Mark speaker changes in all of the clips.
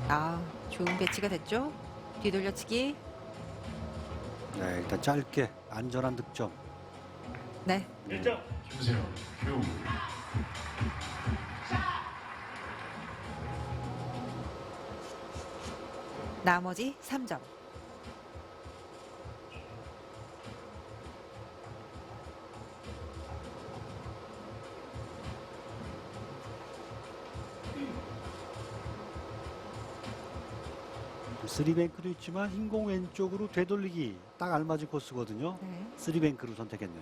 Speaker 1: 아, 좋은 배치가 됐죠? 뒤돌려치기.
Speaker 2: 네, 일단 짧게 안전한 득점.
Speaker 1: 네.
Speaker 3: 1점 김세현 큐.
Speaker 1: 나머지 3점.
Speaker 2: 쓰리뱅크도 있지만 흰공 왼쪽으로 되돌리기 딱 알맞은 코스거든요.
Speaker 1: 네.
Speaker 2: 쓰리뱅크를 선택했네요.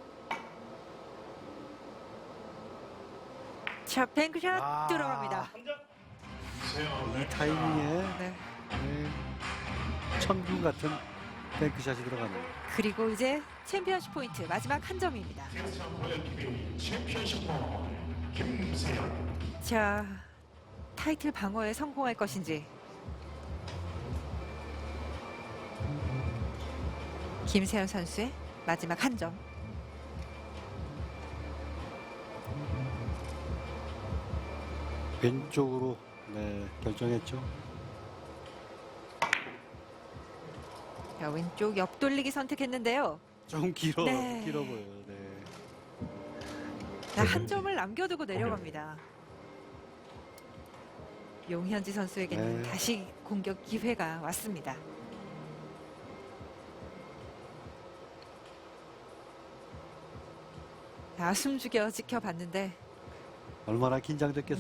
Speaker 1: 자, 뱅크샷
Speaker 2: 아.
Speaker 1: 들어갑니다.
Speaker 3: 3점 김세현
Speaker 2: 이 타이밍에
Speaker 1: 네.
Speaker 2: 네, 천군 같은 뱅크샷이 들어가네요.
Speaker 1: 그리고 이제 챔피언십 포인트 마지막 한 점입니다.
Speaker 3: 올림픽 챔피언십 볼 김세현.
Speaker 1: 자, 타이틀 방어에 성공할 것인지. 김세현 선수의 마지막 한 점.
Speaker 2: 왼쪽으로 네, 결정했죠.
Speaker 1: 자, 왼쪽 옆돌리기 선택했는데요.
Speaker 2: 좀 길어
Speaker 1: 네.
Speaker 2: 보여요. 네.
Speaker 1: 자, 한 점을 남겨두고 내려갑니다. 용현지 선수에게는
Speaker 2: 네.
Speaker 1: 다시 공격 기회가 왔습니다. 자, 숨죽여 지켜봤는데
Speaker 2: 얼마나 긴장됐겠어요.